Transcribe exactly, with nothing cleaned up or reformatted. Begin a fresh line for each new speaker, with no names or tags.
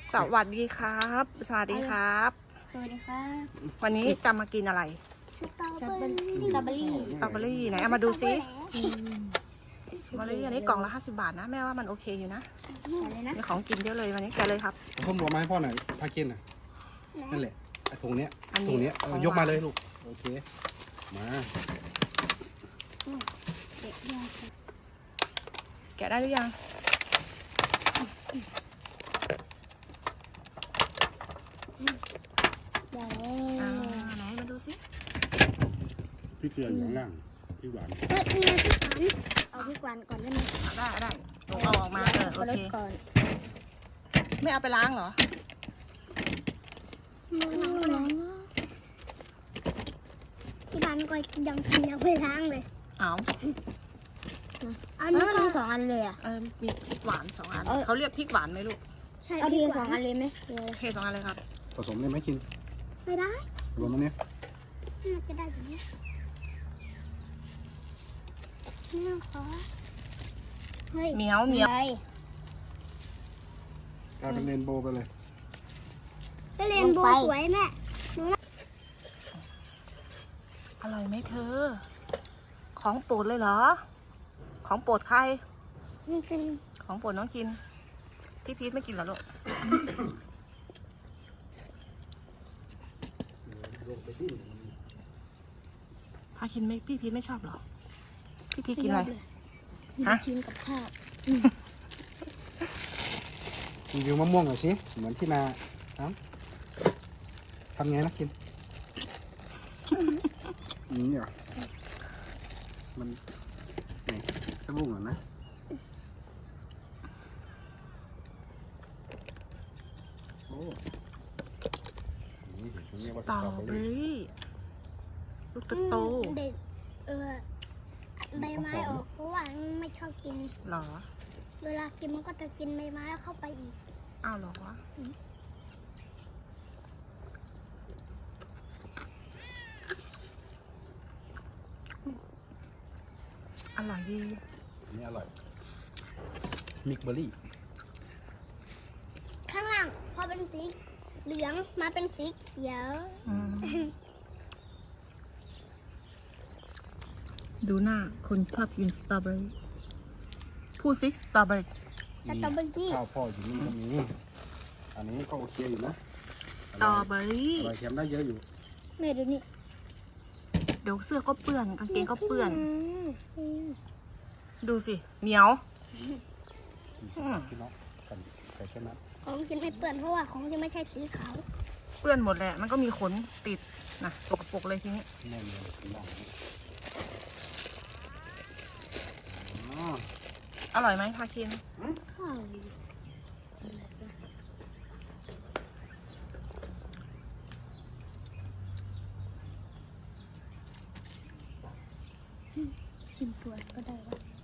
สวัสดีครับ สวัสดีครับ
สวัสดีครับ
วันนี้จะมากินอะไร
สตรอเบอรี่สตรอเบอรี่
สตรอเบอรี่ไหนเอามาดูซิสตรอเบอรี่อันนี้กล่องละห้าสิบบาทนะแม่ว่ามันโอเคอยู่นะ
อะไรนะ
มีของกินเยอะเลยวันนี้แกะเลยครับ
ส้มหัวมาให้พ่อหน่อยพากินน่ะนั่นแหละไอ้ถุงเนี้ย
อันนี้
ถุงเนี้ย
ของหวาน
ยกมาเลยลูกโอเคมา
เด็กยาก
แกะได้หรือยัง
ได้
อ่าไหนมาดูซิ
พี่เกลืออยู่ข้างล่างพี่หวาน
เฮ้ยนี่พี่ขวัญเอาพี่ขวัญก่อนได้ไหม
อ่ะได้ได้หนูเอาออกมาเออโอ
เอาร
เค
ถก่อน
ไม่เอาไปล้างเหรอ
มือน้องน้องที่บ้านก็ยังกินยังไม่ล้างเลย
เอา
อันนี้มันมีสองอันเลยอ่ะ
เออมีพริกหวานสองอัน
เออ
เขาเรียกพริกหวานไหมลูก
ใช่เอาทีสองอันเลยไหม
เทสองอันเลยครับ
ผสมเลยไหมกิน
ไม่ได้
รวมตรงนี้
น่าจะได้แบบนี้นี่ขอเฮ้ย
เหมียวเหมียว
ไป
กลายเป็นเรนโบว์ไปเลย
ก็เรียนโบว์สวยแม่
อร่อยไหมเธอ ของโปรดเลยเหรอ ของโปรดใคร
มันเป็น
ของโปรดน้องกิน พี่พีทไม่กินเหรอลูก
ลงไปดิ้น
พากินไม่พี่พีทไม่ชอบเหรอ พี่พีทกินอะไร ฮะ
กินกับข้าว
รีวิวมะม่วงหน่อยสิเหมือนที่นาทำทำไงนะกินอืมเนี่ยมันไหนสักลูกหน่อยนะโอ้นี่เห็นเรียกว่า
ส
ส
ตรอ
ตรอเบอ
เบอ
รี่
รี่ลูกโต
เด็ดเออใบไม้ออกเพราะว่าไม่ชอบกิน
ๆเหรอ
เวลากินมันก็จะกินใบไม้เข้าไปอีก
อ้าวเหรอวะอร่อยดี
อันนี้อร่อยมิกเบอร์รี่
ข้างล่างพอเป็นสีเหลืองมาเป็นสีเขียว
อืมดูหน้าคนชอบกินสตรอเบอรี่พูดซิสตรอเบอรี่
สตรอเบอรี่
ข้าวพ่ออยู่นี่ก็มีอันนี้ก็โอเคอยู่นะ
สตรอเบอรี่
อร่อยเค็มได้เยอะอยู่
แม่ดูนี่
เดี๋ยวเสื้อก็เปื้อนกางเกงก็เปื้อน
อืม
ดูสิ เหนียว อืม
พี่น้องกันใส่แค่นั้น
ของกินไม่เปื้อนเพราะว่าของจะไม่ใช่สีขาว
เปื้อนหมดแหละ มันก็มีขนติดนะสกปรกเลยทีนี้
แน่นเลยพี่น้องอ๋อ
อร่อยไหมพาคิน
ข้าวกินตัวก็ได้วะ